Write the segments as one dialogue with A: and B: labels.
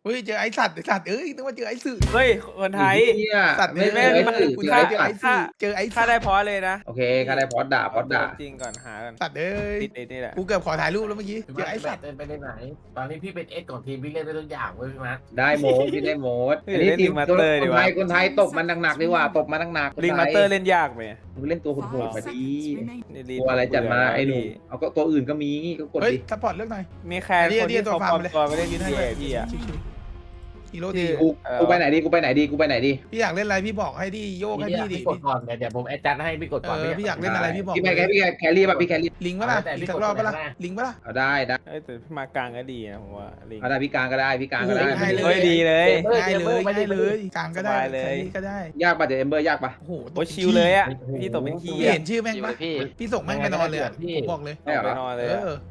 A: เฮ้ยเจอไอ้สัตว์นึกว่าเจอไอ้สื่อ
B: เฮ้ยคนไทย
A: สัตว์
B: ไม่แม่
A: เจอ
B: มา
A: กู
B: ค่า
A: เจอไอ้สื่อเจอไอ้
B: ค่าได้พอเลยนะ
C: โอเคก็ได้พอดด่า
B: จริงก่อนหากัน
A: สัตว์เอ้ย
B: ติดนี่แหละ
A: กูเกือบขอถ่ายรูปแล้วเมื่อกี้
D: พี่
A: เจอไอ้สัตว์
D: เป็นไปได้ไหนตอนนี้พี่เป็นเอสของทีมพี่เล่นได้ทุกอย่างเว้ยพี่มัด
C: ได้โมดพี่ได้โมดอันนี้ทีมคนไทยตบมันหนักๆดีกว่าตบมันหนักๆ
B: ลิงมาสเตอร์เล่นยากไหม
C: มึงเล่นตัวโหดๆมาดี
B: นี่
C: ตัวอะไรจัดมาไอ้หนูเอาก็ตัวอื่นก็มีก็กด
A: เฮ้ย
C: ดิ
A: ซัพพอร์ตเลือกหน่อย
B: มีแค่คนที่เขาปลอมตัวไปเล่นทีเอพี่อะ
A: ฮีโร่ดี
C: กูไปไหนดีกูไปไหนดีกูไปไหนดี
A: พี่อยากเล่นอะไรพี่บอกให้ดิโยกให้พี่ดิ
D: พี่กดก่อนเดี๋ยวผมแอดจัดให้พี่กดก่อน
A: พี่อยากเล่นอะไรพี่บอก
C: พี่แครี่ป่ะพี่แครี่
A: ลิงปะล่ะอีกสักรอบปะล่ะลิงปะล่ะ
C: เอาได้ได้
B: แต่พี่มากลางก็ดีนะผมว่าลิง
C: เอาได้พี่กลางก็ได้พี่กลางก็ได้
B: เฮ้ยดีเลย
A: ง่ายเลยกลางก็ได้ก็ได้
C: ยากป่ะเดี๋ยวเอมเบอร์ยากป่ะ
A: โอ้โห
B: โอ้ชิวเลยอ่ะพี่ตกเป็นขี้
A: พี่เห็นชื่อแม่งปะพี่ส่งแม่งไปนอนเลยผมบอกเลย
B: ไปนอนเลย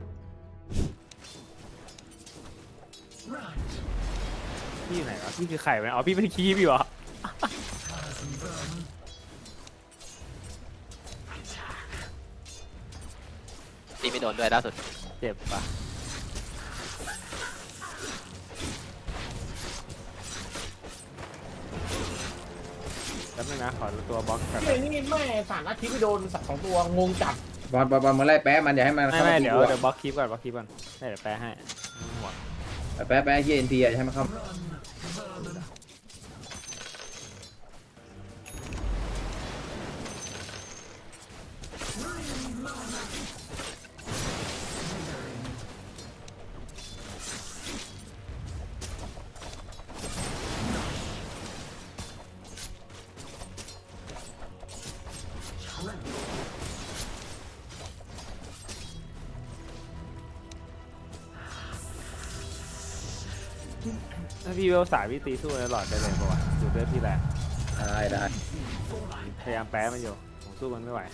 B: พี่ไหนวะพี่คือไข่ไหมอ๋อพี่เป็นขี้พี่วะ
E: ตีไม่โดนด้วยล่าสุด
B: เจ็บปะแล้วนึงนะขอตัวบล็อกก่อน
D: นี่แม่สารอาทิตย์ไปโดนสัตว์2ตัวงงจัด
C: บอลมาไล่แป๊ะมันอย่าให้มัน
B: ไม่เดี๋ยวบล็อกคลิปก่อนบล็อกคลิปก่อนเดี๋ยวแปลให้
C: แป๊ะเฮียเอ็นทีอย่าให้มันเข้า
B: ถ้าพี่เวลสายพี่ตีสู้ในหลอดได้เลยป่าวะดูเลือดพี่แรง
C: ได้
B: พยายามแปะมันอยู่ผมสู้มันไม่ไหว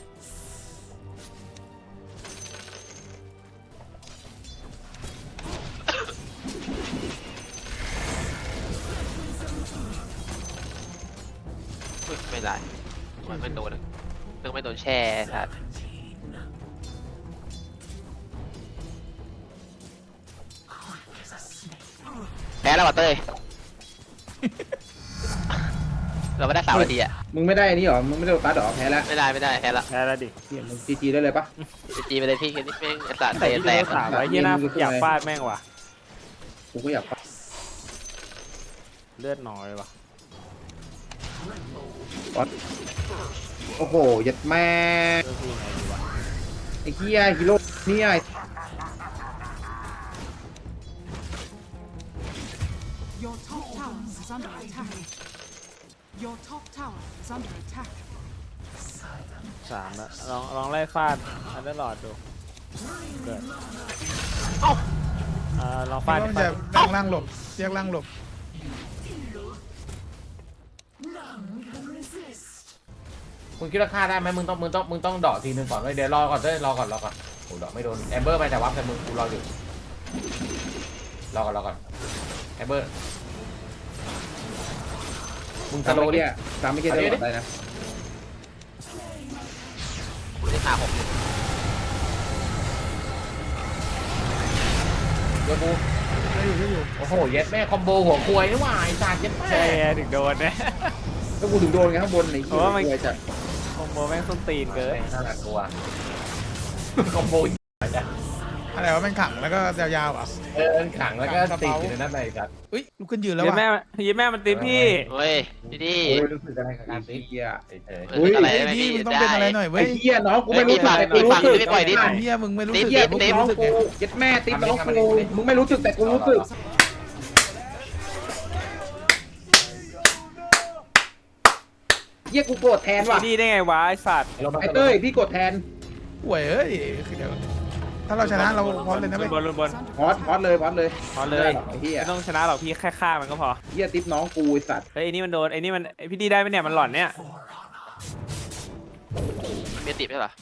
E: ไม่ได้มันไม่โดนเพิ่งไม่โดนแช่สัตว์แพ้แล้วว่ะเต้ย เราไม่ได้3 นาทีอ่ะ
C: มึงไม่ได้อันนี้หรอมึงไม่ได้ตัดหรอแพ้แล้ว
E: ไม่ได้แพ้แล้ว
B: แพ้แล้วดิ
C: มึงจีได้เลยปะ
E: จีไปเลยพี่แค่นี้แม่งไอ้สัตว์
B: แต่
E: เตะ
B: พี่
E: แต
B: เว
E: ก
B: ลสามไว้ที่หน้าอยากฟาดแม่งว่ะ
C: กูก็อยาก
B: เลือดน้อยว่ะ
C: โอ้โหยัดแม่
B: เลือดพี่ไงดีวะ
C: ไอ้เฮียฮีโร่นี่ไอ้
F: Your top tower is under attack. Your top tower is under attack.
B: 3แล้วลองไล่ฟาดอันเดอร์หลอดดูเกิดลองฟาด
A: ต้องจะแยกล่างหลบแยกล่างหลบ
D: คุณคิดว่าฆ่าได้ไหมมึงต้องดอกทีนึงก่อนเลยเดี๋ยวรอก่อนรอก่อนโอ้ดอกไม่โดนแอมเบอร์ไปแต่วับแต่มึงกูรออยู่รอก่อนแอมเบอร์มึงส
C: ตาม
D: โล
C: ไม่
D: ดิ
C: เกี้ยตามไม่เกี้ยได้หมดได้นะ
E: คุณได้5-6
D: โยกู
A: ได้อยู่
D: โอ้โหเย็ดแม่คอมโบหัวควยนี่หว่าไอ้สัตว์เย็ดแม่
B: ใช่ถึงโดนนะ
C: ก็กูถึงโดนไงข้างบนไอ้เหี้ยจัด
B: คอมโบแม่งส้นตีนเกิน
D: น่ากลัวคอมโบ
A: อะไรวะแม่งขังแล้วก็ยาวๆอ่ะ
D: ขังแล้วก็ติดอยู่ในนั้นเลยสัตว์
A: อุ้ยลุกขึ้นยืนแล้ว
B: ยื
A: ว่ะ
B: นแม่มันตีพี่
E: เฮ้ยดี
C: โอ้ยรู้สึกอะไรกับการตีเหี้ย
E: อะไร
A: เฮ้ย
E: ไม่
A: พี่
E: พี่
A: มึงต้องเป็นอะไรหน่อยเว้
C: ไอ้
A: ย
C: เหี้ยน้องกูไม่รู้สึกแต่กูรู้สึก
E: ไม่ปล่อยดิ
A: เฮียมึงไม่รู้สึก
E: เหี้ย
A: แต่พวก
C: ติ๊บ
A: กู
C: น้อง
A: รู้สึก
C: กู
A: ไง
C: ยัดแม่ติ๊บน้องกูมึงไม่รู้สึกแต่กูรู้สึกเหี้ยกูโกรธแทนว่ะ
B: นี่ได้ไงวะไอสัตว์
C: ไอ้เต้ยพี่โกรธแทน
A: ห่วยเอ้ยเดี๋ยวถ้าเราชนะเราพร้อมเลยนะเว้ย
B: บน
C: พอดเลย
B: พอเลย
C: ไอ้เหี้ย
B: ไม่ต้องชนะหรอกพี่แค่ฆ่ามันก็พอ
C: เหี้ยติ๊บน้องกูไอ้สัตว์
B: เฮ้ยไอ้นี่มันโดนไอ้นี่มันพี่ดีได้ไหมเนี่ยมันหล่อนเนี่ย
E: มันมีติดใช่หรอ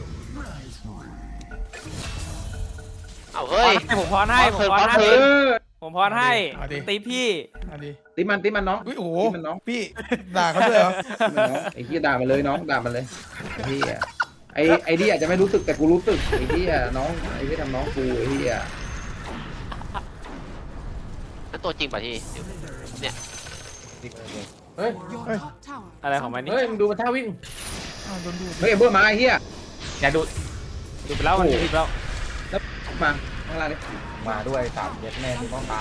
E: เอาเฮ้ย
B: ผมพรให้
C: เออ
B: ผมพรให้ตีพี่
A: เอาดิ
C: ติ๊บมันน้อง
A: อุ้ยโอ้โห
C: ติ๊บมันน้อง
A: พี่ด่าเขาด้วยเหรอ
C: ไอ้เหี้ยด่ามันเลยน้องด่ามันเลยไอ้เหี้ยไอ้นี่อาจจะไม่รู้สึกแต่กูรู้สึกไอ้เหี้ยน้องไอ้ที่ทำน้องกูไอ้เหี้ย
E: นั่นตัวจริงป่ะที่เนี่ย
D: เฮ้ย
F: Your
A: Hey.
F: top tower
B: อะไร
F: is
B: ของมัน
F: under
B: นี่
D: เฮ้ยมึงดูมันท่าวิ่ง
A: อ้าวโดนดูด
C: เฮ้ยเบอร์มาไอ้เหี้ย
D: อย่าดู
B: ดูไปแล้วมันดูไปแล้ว
C: มาข้างล่างนี่
D: มาด้วยสามเย็ดแม่กูต้องตาย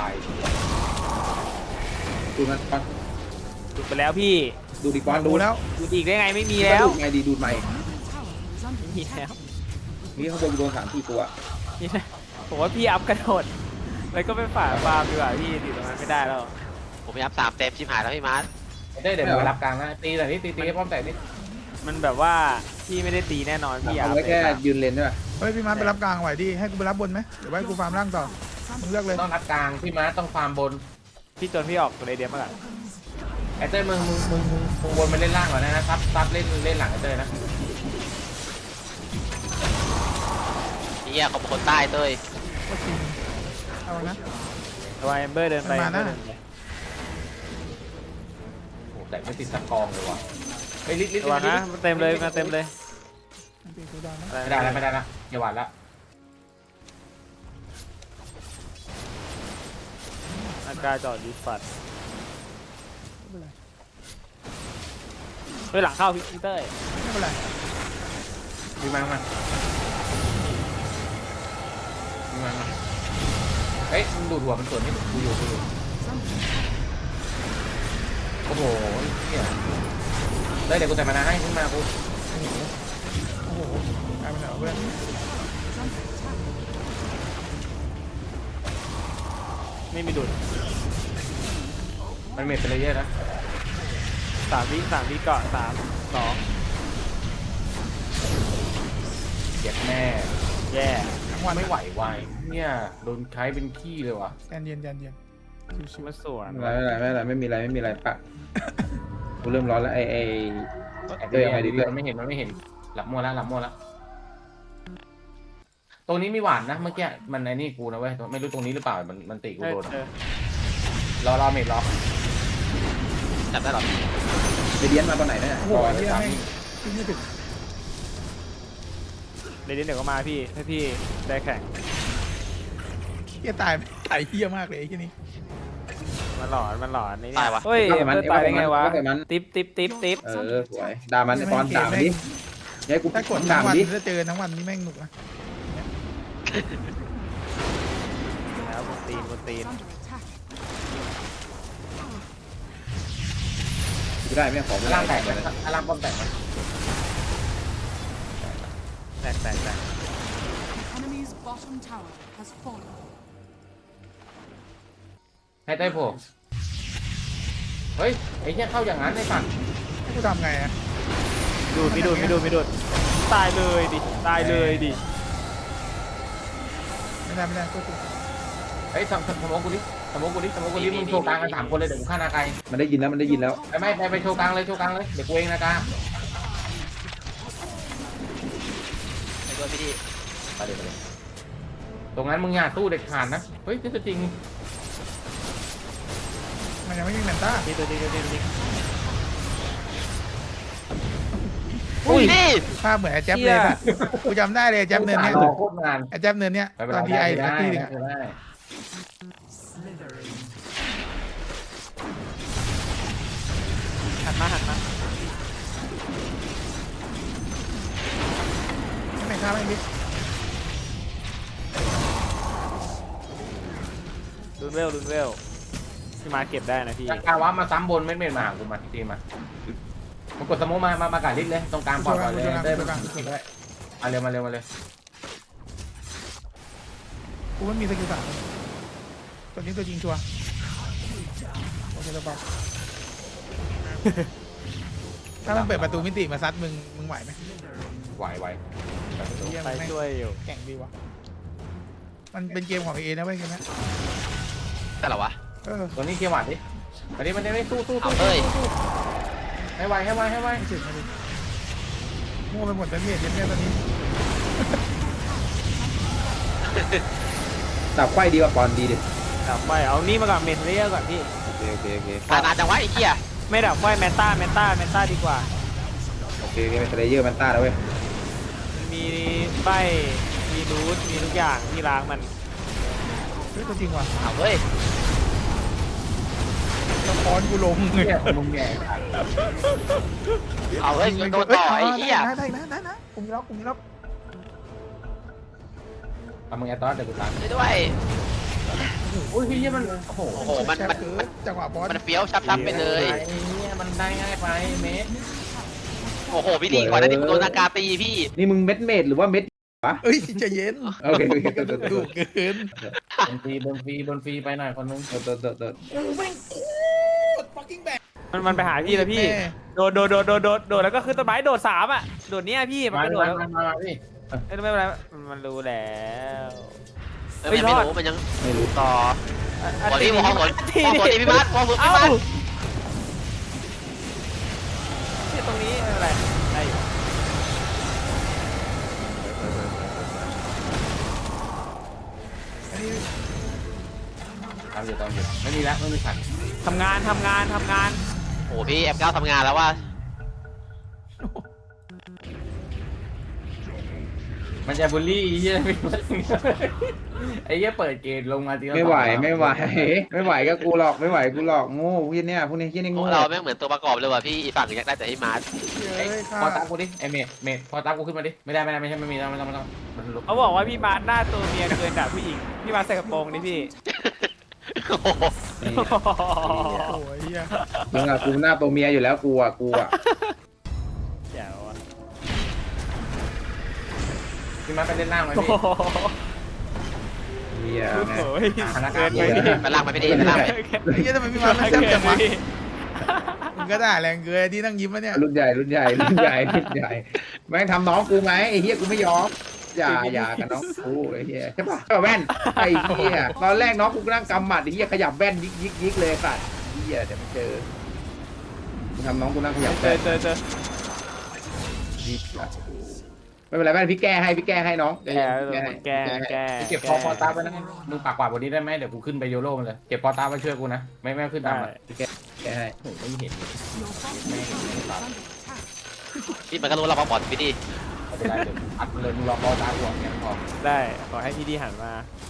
C: ดูมันปอน
B: ดูไปแล้วพี่
C: ดูดิปอน
A: ดูแล้ว
B: ดูอีกได้ไงไม่มีแล้ว
C: ดูดไงดีดูดใหม่
F: tower is under
B: มีแล้ว
C: นี่ข้างบนโดน3-4ตัว
B: นี่นะผมว่าพี่อัพกระโดดแล้วก็ไปฝ่าฟาร์มดีกว่าพี่ติดตรงนั้นไม่ได้แล้ว
E: ผมพยายาม3 เต็มชิบหายแล้วพี่มาร์ท
D: เดี๋ยวไปรับกลางนะตีแต่นี่ตีให้ป้อมแตกนี่
B: มันแบบว่าพี่ไม่ได้ตีแน่นอนพี่อั
C: เอา
B: พ
C: ไว้แค่ยืนเลนใช่ป่ะ
A: เฮ้ยพี่มาร์คไปรับกลางไหวดิให้กูไปรับบนไหมเดี๋ยวไว้กูฟาร์มล่างต่อมึงเลือกเลย
D: ต้องรับกลางพี่ม้าต้องฟาร์มบน
B: พี่จนพี่ออกตัวเดียวมาก่อน
D: ไอ้เต้ยมึงวนมาเล่นล่างก่อนนะซับเล่นหลังไอ้เต้ยนะ
E: เฮียเขาเป็นคนใต้เต้ย
A: ก็จริงเอานะ
B: ตัวเอมเบอร์เดินไป
A: มันมานะ
B: เดินไป
D: โอ้แต่ไม่ติดสักกองเลยว่ะไอ้ลิลิ
B: ตัวนะมันเต็มเลยมาเต็มเลย
A: มันเป็นกูดาวนะ
D: ไม่ได้ละอย่าหวานละ
B: อากาจอดดีฟัด
A: ไม่เป็นไร
B: เฮ้ยหลังเข้าพี่เต้ย
A: ไม่เป็นไร
D: มีมาเฮ้ยมึงดูดหัวมันส่วนนี้กูอยู่โอ้โหเนี่ยเดี๋ยวกูแต่มานาให้ขึ้นมากู
A: โอ้โหกลายเป็นเหรอเพื่อน
B: ไม่มีดุด
D: มันเมทไปเลยเยอะนะ
B: 3 วิเกาะ3 2
D: เจ็บแน่
B: แย่
A: ทั้งวัน
D: ไม่ไหววายเนี่ยโดนใช้เป็นขี้เลยว่ะ
A: แจนเย็นชิว
B: มาสวน
C: ไม่มีอะไรปะกูเริ่มร้อนแล้วไอ้
D: เดี๋ยวยังไงดีมันไม่เห็นหลับมัวละตรงนี้มีหวานนะเมื่อกี้มันไอ้นี่กูนะเว้ยไม่รู้ตรงนี้หรือเปล่ามันตีกูโดนรอเมทรอ
E: จับได้หรอ
C: เดียนมาตอนไหนเนี่ย
A: ๆโอ้โหเฮียแม่งขึ้นไม่ถึง
B: เดี๋ยวก็มาพี่ถ้าพี่ได้แข่ง
A: เฮียตายเฮียมากเลยไอ้ที่นี่
B: มันหลอนนี่
E: ตายวะ
B: เฮ้ยมันตายได้ไงวะ
C: มัน
B: ติ๊บ
C: สวยด่ามันปอนด่ามันดิให้กู
A: ถ้ากด
C: ด่า
A: ทั้ง
C: มั
A: วัน น
C: ดิ
A: ถ้าเจอทั้งวันนี่แม่งหนุกนะ
B: แล้วบนตีน
F: is under attack.
C: กูได้ไหมขอ
D: ล่างแตกไหมล่างป้อมแตกไหม
B: แตก
F: Enemy's bottom tower has fallen.
D: ให้ได้โผล่เฮ้ยไอ้เนี่ยเข้าอย่างนั้นไอ้สัตว์
A: ให้กูทำไงอะ
B: ดูดไม่ดูดตายเลยดิ
A: ไม่ได้ก็คือ
D: เฮ้ยสมองกูดิมึงโชว์กลางกัน3 คนเลยเดี๋ยวกูฆ่านาไก
C: มันได้ยินแล้ว
D: ไม่ไปโชว์กลางเลยเดี๋ยวกูเองนะกา
E: ไปด้วยพี่ดิ
D: ไปเลยตรงนั้นมึงอย่าสู้เด็ดขาดนะเฮ้ยนี่จริง
A: มันยังไม่มีแมนต้า
B: นี่ตัวจริง
E: อุ้ยนี่
A: ภาพเหมือนไอ้แจ๊บเลยนะกูจำได้เลยไอ้แจ๊บเนินเนี้ย
D: รอโคตรนาน
A: ไอ้แจ๊บเนินเนี้ยตอนที่ไอ้ที่หนึ่งอะ
B: หันมา
A: ไม่ฆ่าไม่มิด
B: รุนเวลพี่มาเก็บได้นะพี่
D: กาวะมาซ้ำบนเม็ดมาหากูมาทีมากดสมองมากาดลิสเลยตรงกลางปล่อยเลยได้มาเร็วเลย
A: กูไม่มีสกิล3ตัวนี้ตัวจริงชัวร์โอเคแล้วเปล่าถ้ามันเปิดประตูมิติมาซัดมึงไหวไหม
D: ไหว
A: เฮีย
B: ไป
A: แม่ง
B: ช่วยอยู่
A: แข่งดีวะมันเป็นเกมของเอนะเว้ยเกมนี้
E: แต่ละวะ
D: ตัวนี้เกียร์หวานดิอันนี้มันไม่สู้
E: เอาเต้ย
D: ให้ไว
A: ไม่ถึงมั่วไปหมดแต่เมียตอนนี้
C: ดับไฟดีกว่าปอนดีดิ
B: ดับไฟเอานี่มาก่อนเมทเรียก่อนพี่
C: โอเค
E: ตายนานจังวะไอ้เหี้ย
B: ไม่ดับไฟแมนต้าดีกว่า
C: โอเคเป็นสเลเยอร์มันต้าแล้วเว้ย
B: มีใบมีรูทมีทุกอย่างที่ล้างมัน
A: เฮ้ยตัวจริงว่ะ
E: เอาเว้ย
A: อนกูลง
D: เนี่ยมึงแง่
E: เอาเฮ้ยโดนต่อไอ้เหี้ย
A: ได้นะกูมีล็อก
D: เอามึงแอตตอสเดี๋ยวกูตัด
E: ช่วยด้วย
D: โอ้ยพี่มันโอ้โห
E: โอ้โหมัน
A: จังหวะบอส
E: มันเฟี้ยวชับไปเลย
D: ไอ้เนี่ยมันได้ง่ายไปเมส
E: โอ้โหพี่ดีกว่านั้นที่ผมโดนนากาตีพี่
C: นี่มึงเม็ดเมดหรือว่าเม็ด
A: เอ้ยใจเย็น
C: โอเคโอเคตัว
A: ดุเกิน
D: บนฟรีไปหน่อยคนนึง
A: กูแม่งโคตร fucking แบก
B: มันไปหาพี่แล้วพี่โดดแล้วก็ขึ้นต้นไม้โดด3อ่ะโดดเนี้ยพี่มัน
D: มา
B: ก็โดดแล้ว
D: มาพี่
B: ไม่เป็นไรมันรู้แล้ว
E: ไม่รู้มันยัง
C: ไม่รู้
E: ต่อ
B: อัน
E: พอ
B: นี้
E: ที่พอผลพี่บัสพอผลพี่
B: เอ้า
E: บัส
B: ที่ตรงนี้ไม่เป็นไรได้อยู่
A: อันนี้
D: ตามอยู่ไม่มีแล้วไม่มีขัด
B: ทำงาน
E: โอ้พี่F9ทำงานแล้วว่า
D: มันจะบูลลี่ไอ้เหี้ยไอ้เหี้ยเปิดเกมลงมาทีละ
C: ไม่ไหวก็กูหลอกไม่ไหวกูหลอกโง่พวกเนี่ยพวกนี้ที่นี่โง่
E: เราแม่งเหมือนตัวประกอบเลยว่ะพี่อีฝั่งอยากได้แต่ให้มาร์ท
A: เอ้ย
D: พอตามกูดิไอ้เมดพอตามกูขึ้นมาดิไม่ได้ไม่ใช่ไม่มีไม่ต้องมันลุก
B: เขาบอกว่าพี่มาร์ทหน้าตัวเมียเกินด่าผู้หญิงพี่มาร์ทใส่กระโปรงนี่พี่
E: โอ้โห
A: โอ้ยเหี้ย
C: มึงอะกูหน้าตัวเมียอยู่แล้วกูอะ
B: แจ๋วอะ
D: พี่มาไปเล่นล่างไหม
B: โอ้
D: พี่
B: โห
C: เฮีย
B: โอ้
C: แม่
B: โห
D: เกินไป
E: ไปล่างไปดิไปล่างไป
A: ไอ้เหี้ยทำไมพี่มาไม่แซ่บจังวะมึงก็ด่าแรงเกินที่นั่งยิ้มวะเนี่ย
C: รุ่นใหญ่แม่งทำน้องกูไหมไอ้เฮียกูไม่ยอมอย่ากับน้องกูไอ้เฮียใช่ปะแว่นไอ้เฮียตอนแรกน้องกูนั่งกำหมัดไอ้เฮียขยับแว่นยิกเลยสัตว์เฮียเดี๋ยวไม่เจอมึงทำน้องกูนั่งขยับ
B: เจ
C: แว่
B: อน
C: ไม่เป็นไรแม่พี่แก้ให้น้อง
B: แก
D: เก็บพอตามไปนะมึงปากกวาดบนนี้ได้ไหมเดี๋ยวกูขึ้นไปโยโร่มันเลยเก็บพอตามไปช่วยกูนะไม่ขึ้นตามอ่ะ
C: แก้ให้
D: โอ้ไม่เห็น
F: Your bottom tower is under attack.
E: พี่มันก็รู้เราพอพี่ดี
D: ไม่เป็นไรเดี๋ยวอัดเลยมึงรอพอตามกูแค่พอ
B: ได้ขอให้พี่ดีหันมา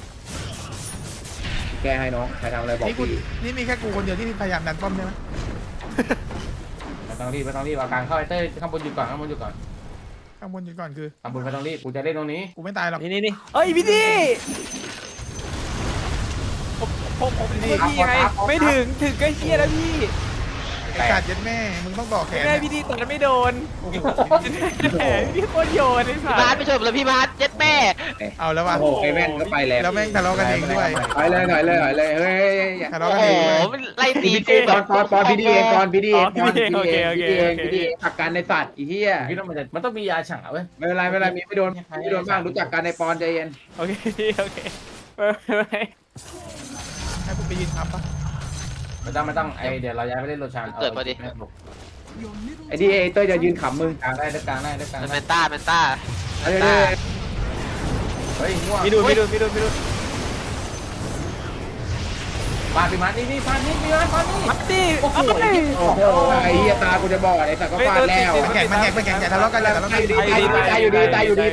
C: แก้ให้น้องใครทำอะไรบอก
A: นี่กู
C: พี่
A: นี่มีแค่กูคนเดียวที่พยายามดันป้อมใช่ไหม
D: ไม่ต้องรีบเอากลางเข้าไอ้เต้ยข้างบนหยุดก่อน
A: ข้างบนอยู่ก่อนคือ
D: ข้างบนไม่ต้องรีบกูจะเล่นตรงนี้
A: กูไม่ตายหรอก
B: นี่เอ้ยพี่ดีผมพี่ไงไม่ถึงก็เฮียแล้วพี่
A: ไอ้กัดยัดแม่มึงต้องต่อแขน
B: แม่พี่ดีตอนนั้นไม่โดนแหมพี่โคตรโยนไอ้สั
E: พี่มาร์ท
B: ส
E: ไปช่วยเลยพี่มาร์ทเจ็ดแม่
A: เอาแล้วว่ะ
C: โอ้โหไอ้แว่นก็ไปแล้ว
A: แล้วแม่งทะเลาะกันเองด้วย
C: ไปเลยหน่อยเลยเฮ้ย
A: ทะ
E: โอ้
A: เลาะกัน
E: โห
A: เองด้วย
E: มันไล่ตี
C: พี่
E: กูแบบ
C: ปอนพี่ดีเองปอนพี่ดีเอง
B: โอเค
C: ผักกันในสัตว์อีเหี้ย
D: พี่ต้องมันต้องมียาฉาเว้ย
C: ไม่เป็นไรมีไม่โดนบ้างรู้จักกันในปอนใจเย็น
B: โอเคไม่
A: ให้กูไปยืนทำปะ
D: ไม่ต้องไอเดี๋ยวเราย้ายไปเล่นโรชาน
F: Your middle
C: ไอ้ดีเอเต้ยจะยืนขำมึง
D: กลางได้
E: มันเป็นต้า
C: เฮ้ย
D: เฮ้ยง่วง
B: พี่ดู
D: ปาพี่มานี่ปานี่
B: มัดดิ
D: โอ้โห
C: โอ้โหไอ้เหี้ยตากูจะบอดไอ้สัตว์ก็ฟาดแล้ว
A: มันแข่งอย่าทะเลาะกันอย่าทะเลาะกัน
C: ตายอยู่ดี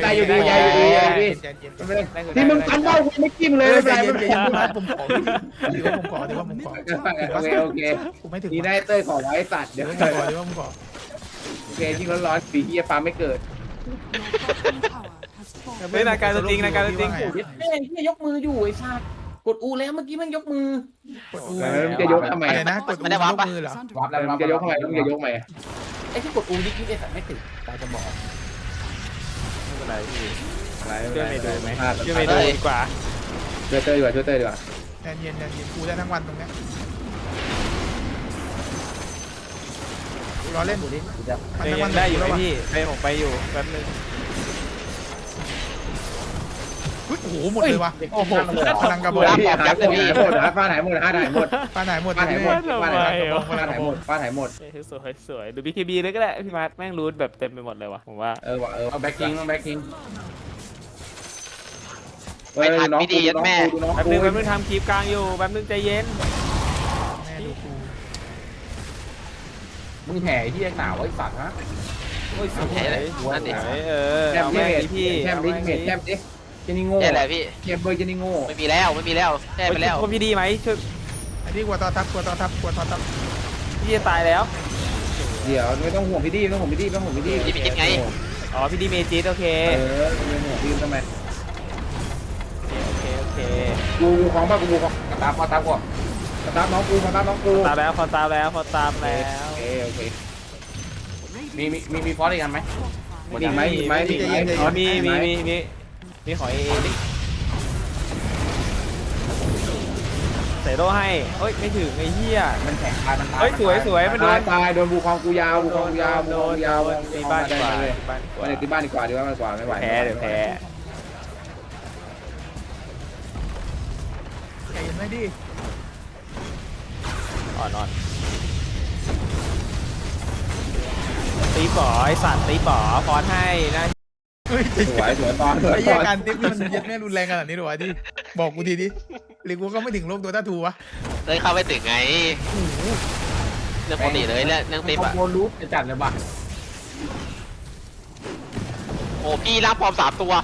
C: ที่มึงกันเบ้ากูไม่จิ้มเลยไม่เป็นไรไม่เป็นไร
A: ผมขอถือว่าผมขอ
C: โอเค
A: กูไม่ถึง
C: ดีได้เต้ยขอไว้สัตว์เดี๋ยว
A: ถือว่าผมขอ
C: โอเคที่ร้อนสีเหี้ยปลาไม่เกิด
F: bottom tower has fallen.
B: เฮ้ยนาการจริง
D: เฮ้ยยกมืออยู่ไอ้ชาติกดอูแล้วเมื่อกี้มันยกมือก
A: ดอู
C: จะยกทำไม
A: อะไรนะกดอูยกมือเหรอ
D: วับแล้ว
C: จะยกทำไมต้องจะยกไหม
D: ไอ้ที่กดอูยิกไอ้สัตว์ไม่ติดตาจะบอก
B: ไม่เป็นไรพี่
C: อะไร
B: ช่วยเมย์ดูไหม
C: ช่
B: ช่วยเมย์ดูดีกว่า
C: วยเต้ยดีกว่า
A: แดนเย็นกูได้ทั้งวันตรงนี้รอเล่น
D: ดูดิกูจะ
A: มันทั้งวัน
B: ได้อยู่ไหมพี่ไปผมไปอยู่แป๊บนึง
A: โอ้โหหมดเลยว่ะ
B: โอ้โห
A: พลังกระบอก
C: หายหมดฟ้าไหนหมด
A: ป้าไหนหมด
B: สวยดู BKB เลยก็ได้พี่มาร์ทแม่งรูทแบบเต็มไปหมดเลยว่ะผมว่า
D: เอาแบ็คกิ้งต้องแบ็คกิ้ง
C: น้องกูน้อง
B: แป๊บ
C: กู
B: นึงทำคลิปกลางอยู่แป๊บนึงใจเย็น
A: แม่ดูกู
D: มึงแห่ที่หนาวไอ้สัตว์ฮะ
B: โอ้ยสวย
E: นั่นดิ
C: แชมป์ดิพี่แชมป์ดิเจนี่โง่
E: แค่แหละพี่
C: เกมเบอร์เจนี่โง่
E: ไม่มีแล้วแค่ไปแล้ว
B: คนพี่ดีไหมช่วย
A: อันนี้กลัวต่อทับ
B: พี่จะตายแล้ว
C: เดี๋ยวไม่ต้องห่วงพี่ดีไม่ต้องห่วงพี่ดีไม่ต้องห่วงพี่ดี
E: พี่มีจิตไง
B: อ๋อพี่ดีเมจิตโอเค
C: ไม่ห่วงพี่ทำไม
B: โอเค
C: กูของป่ะกูของ
D: ตามพอตามก่อน
C: สตาร์ทน้องกูสตาร์ทน้องกู
B: ตามแล้วพอตามแล้ว
C: โอเค
D: มีฟอสอีกอันไหม
C: มีไหมมีไหมมีไหม
B: อ๋อมีขอเอดิใส่โล่ให้เฮ้ยไม่ถึงไอ้เหี้ย
D: มันแข็งตายมันตาย
B: เฮ้ยสวยมันโด
C: ตาย
B: น
C: ตายโดนบูคองกูยาวบูคองกูยาวบูคองกูยาว
B: ตีบ้านดีกว่า
C: เลย
B: ตีบ้านดีกว่า
C: วันนี้ตีบ้านดีกว่าดีกว่าไม่ไหว
B: เดี๋ยวแพ้
A: ใจเย็นไหมดิ
B: อ่อนตีป๋อไอสัตว์ตีป๋อฟอนให้นะ
A: เฮ้ย
C: สวยตอน
A: ไอ้เหี้ยการติ๊บนี่มันเย็ดแม่รุนแรงขนาดนี้หรอวะดิบอกกูทีดิหรือกูก็ไม่ถึงโลกตัวตาทูวะ
E: เลยเข้าไปถึงไงเรื่องปกติเลยเรื่องติ๊บ
D: คอ
E: อะ
D: มโบลูปจะจัดเลยป่ะ
E: โอ้พี่รับพร้อม3 ตัว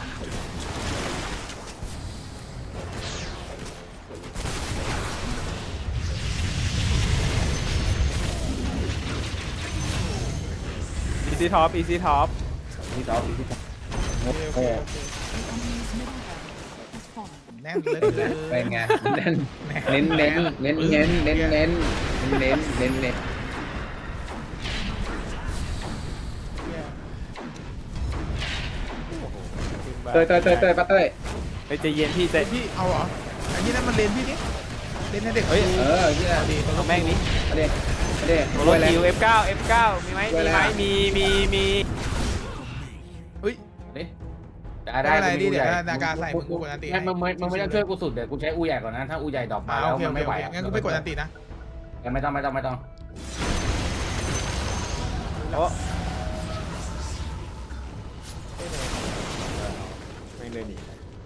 B: อีซี่ท็อป
C: พี่ท็อปโอ้โห
F: The enemy's middle barracks has fallen.
A: แน่นเลย
C: เป็นไงเน้น เตยป้าเตย
B: ไปใจเย็นพี่ใจ
A: พี่เอาเหรออันนี้นั่นมันเลนพี่นี่เลนให้เด็ก
B: เฮ้ย
C: ที่ไหน
A: ดี
B: เอาแม่งนี้
C: มาเด็
B: โรคิว F9 มีไหมมี
A: เฮ้ย
D: ได้
A: อะไรดิเดี๋ยวนากาใส่มึงกูกดอันตี
D: งั้นมึงไม่ต้องช่วยกูสุดเดี๋ยวกูใช้อูใหญ่ก่อนนะถ้าอูใหญ่ดรอปมาแล้ว
A: โอเค
D: มันไม่ไหว
A: งั้นกูไปกดอันตีนะ
D: ไม่ต้อง
B: โอ้ไม่เลยหนี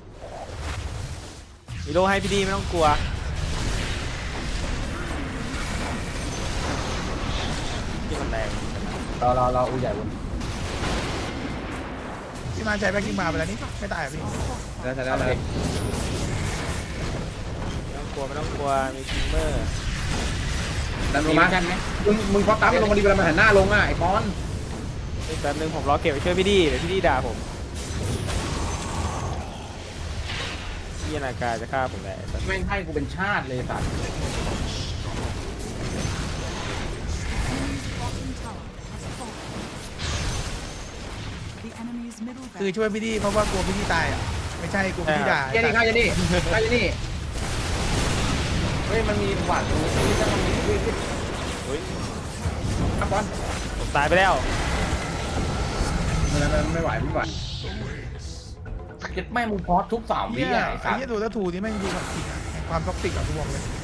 B: มีโลให้พี่ดีไม่ต้องกลัวที่มันแรง
D: รออูใหญ่บน
A: พี่มาใช้แบ็คกิ้งมาไปแล้วนี่ไม่ตายอ่ะพี่
C: แล้ว
B: ไม่ต้องกลัวมีคิมเมอร์
C: ดันลงมามึงพอตั้มลงมาดีเวลามันหันหน้าลงอ่ะไอ้ปอน
B: แป๊บนึงผมรอเก็บไปช่วยพี่ดีเดี๋ยวพี่ดีด่าผมพี่นากาจะฆ่าผมแหละ
D: แม่งให้กูเป็นชาติเลยสัตว์
F: The enemy's middle
A: คือ
F: barracks
A: ช่วยพี่ดีเพราะว่ากลัวพี่ดีตายอ่ะไม่ใช่กลัวพี่ดีด่า
C: ข้านี่
D: เฮ้ยมันมีหวานตรงนี้ถ้ามันมี
B: เฮ้ย
C: ปอน
B: ผมตายไปแล้ว
C: มันไม่ไหว
D: เก็บแม่มึงพอสทุก3 วิ
A: เนี่ย
D: ไอ้
A: ไอ้
D: สัตว์
A: เหี้ยตัวตาทูนี่แม่งดูแบบจริงอ่ะความท็อกซิกอ่ะทุกวงเลย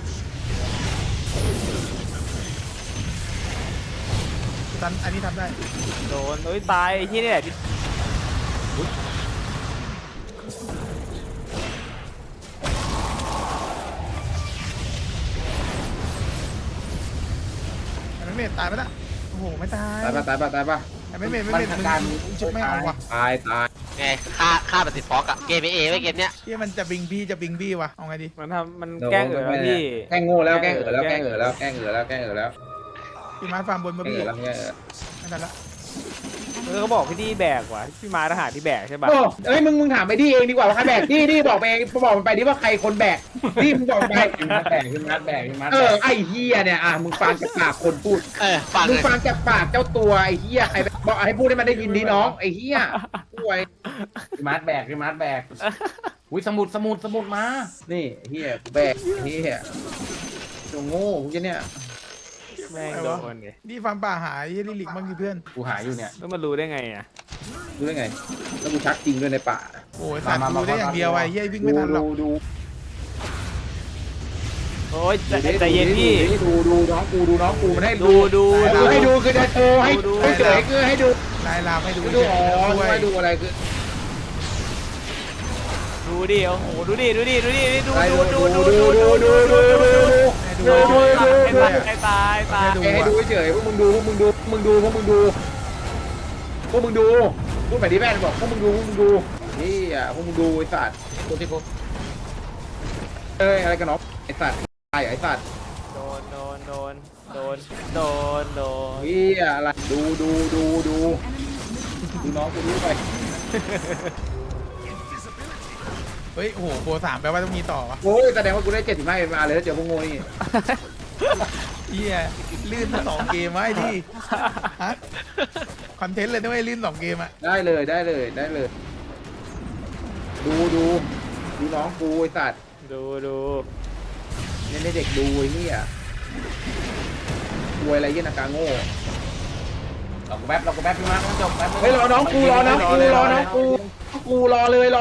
A: ตันอันนี้ทำได้
B: โดนเฮ้ยตายไอ้ที่นี่แหละที่
A: ไอ้ไม่เมทตายไปละโอ้โหไม่ตาย
C: ตายป่ะ
A: ไอ้ไม่เมทมึงชุบไม่เอาว่ะ
C: ตาย
E: ไงฆ่าแบบติดฟอกอะเกมเอไม่เกมเนี้ย
A: ที่มันจะบิงบี้ว่ะเอาไงดี
B: มันแกล้งพี่
C: แกล้งโง่แล้วแกล้งแล้ว
A: พี่มาฟาร์มบนมาพี่ไม่ทันละ
B: เขาบอกพี่ดีแบกว่ะพี่มาทหารที่แบกใช่ป่ะ
C: โอ้เอ้ยมึงถามไปดีเองดีกว่าว่าใครแบกดีบอกไปเองบอกมันไปดิว่าใครคนแบกดีมึงบอกไป
D: ขึ้นมัดแบก
C: ไอ้เฮียเนี่ยมึงฟังจากปากคนพูด
E: ฟัง
C: มึ
E: เล
C: ง
E: ย
C: ฟังจากปากเจ้าตัวไอ้เฮียใครบอกให้พูดให้มันได้ยินดีน้องไอ้เฮียป่วย
D: ขึ้นมัดแบกอุ้ยสมุดมา
C: นี่เฮียแบกเฮียตัวโง่พวกเนี่ย
B: แม่งโดนไง
A: นี่ฟาร์มป่าหายยี่ลิลิกบ้างดิเพื่อน
D: กูหาอยู่เนี่ย
B: แล้วมันรู้ได้ไงอ่ะ
C: รู้ได้ไงแล้วกูชักจริงด้วยในป่า
A: โอ้ยสัตว์ดูได้อย่างเดียวไอ้เหี้ยวิ่งไม่ทันหรอก
C: ดู
B: โอ้ยใจเย็นพี่
C: ดูน้องกูมันให้
B: ดู
C: ให้ดูคือจะโชว์ให้เฉยคือให้ดู
A: ลายลามให้ดู
C: ดูอ๋อให้ดูอะไรคือ
B: ดูดิโอ้โหดูดิดู
C: ให้ดู
B: ไอ้ตาย
C: ให้ดูเฉยพวกมึงดูพูดแบบนี้แม่บอกพวกมึงดูนี่พวกมึงดูไอ้สัตว์
D: ตัวที่พบ
C: อะไรกันเนาะไอ้สัตว์ไอ้สัตว์
B: โดนโดน
C: เฮียอะไรดูน้องกูดูไป
A: เฮ้ยโอ้โหโปร3แปลว่าต้องมีต่อวะ
C: โอ้ยแสดงว่ากูได้75เป็นมาเลยแล้วเจอพวกโง่นี่
A: เฮียลื่นมา2 เกมไว้ที่ฮะคอนเทนต์เลยด้วยลื่น2 เกมอ่ะ
C: ได้เลยดูน้องกูไอ้สัตว์
B: ดู
C: เนี่ยเด็กดูไอ้เหี้ยรวยอะไรเงี้ยนากาโง่
D: เรากูแป๊บพี่มาร์คต้องจบแป๊บ
C: เฮ้ยรอน้องกูรอเลยรอเลยแล้ว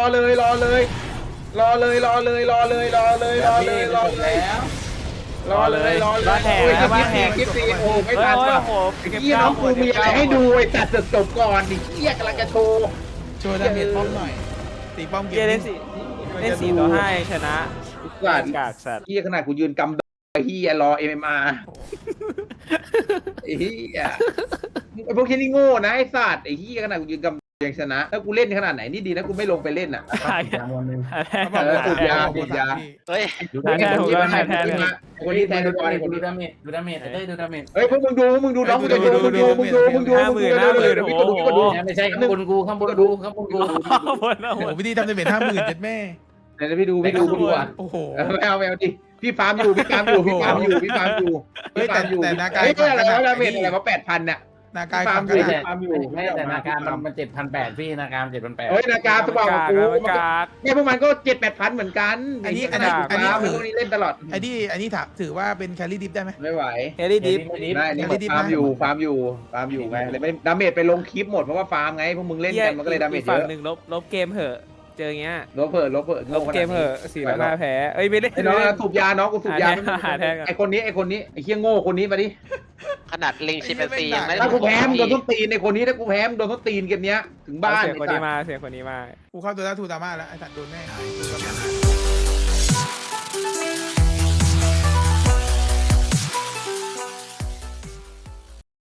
C: คลิป4โอ้ไม่ทันว่ะ
B: โอ้โห
C: เหี้ยน้องกูมีอะไรให้ดูไอ้ตัดจบก่อนดิเหี้ยกำลังจะโชว์
A: โชว์ดาเมจป้อมหน่อยตีป้อมเก
B: เกีย
A: ม
B: ร์เล่น4 ต่อ 5ชนะ
C: สัตว์
B: กากสัตว์
C: เหี้ยขนาดกูยืนกำไอ้เหี้ยรอ MMR ไอ้เหี้ยไอ้พวกที่นี่โง่นะไอ้สัตว์ไอ้เหี้ยขนาดกูยืนกำยังชนะถ้ากูเล่นขนาดไหนนี่ดีนะกูไม่ลงไปเล่นอ่ะ
A: เขาบอกว่า
C: สูบยา
A: โปร
C: สูบยา
A: พี่
E: เฮ้ย
D: ดูดาเมจ
C: คนนี้แทนดูก่อน
D: ดูดาเมจดูดาเมจดูดาเมจ
C: เฮ้ยพวกมึงดูน้องกูจะดูมึงดู
D: ไม่ใช่ข้างบนกูข้างบนกู
A: โอ้โหวิธีทำดาเมจ50,000เจ็ดแม่
C: เดี๋ยวพี่ดูอ่ะ
A: โอ้โห
C: ไม่เอาดิพี่ฟาร์มอยู่เฮ้ยแต่นาการอะไรวะดาเมจอะไรวะ8,000เนี่ย
A: นากาย
C: ฟาร์ม
A: ฝั่ง
C: อ
A: กั
C: ยู่
A: น
D: ไม่แต่นาการมัน7,800พี่นาการ7,800
C: เฮ้ยนาการสว่างกว่ากู
B: กาก
C: เนี่ยพวกมันก็7-8,000เหมือนกันพวกนี้เล่นตลอด
A: ไอ้นี่ถือว่าเป็นแครี่ดิฟได้ไหม
C: ไม่ไหว
B: เฮลี่ดิฟ
C: ได้นี่ฟาร์มอยู่ไงเลยไม่ดาเมจไปลงคลิปหมดเพราะว่าฟาร์มไงพวกมึงเล่นกันมันก็เลยดาเมจเย
B: ฝั่ง
C: อะ
B: หนึ่งลบเกมเหอะเจอเงี้ย
C: ลบเพิ่
B: ลบเกมเหอะ4 ต่อ 5แพ้เอ้ยไม่ได้
C: ไอ้น้องสูบยาน้องกูสูบยา
B: หาแทงก่อน
C: ไอ้คนนี้ไอ้เคี้ยโง่คนนี้มาดิ
E: ขนาดลิงชิมแปนซียังไม่ได้
C: ถ้ากูแพ้มึงโดนต้นตีนในคนนี้ถ้ากูแพ้มึงโดนต้นตีนเกมเนี้ยถึงบ้าน
B: เสียงคนนี้มา
A: กูเข้าตัวแล้วทูตามาแล้วไอ้สัตว์โดนแน่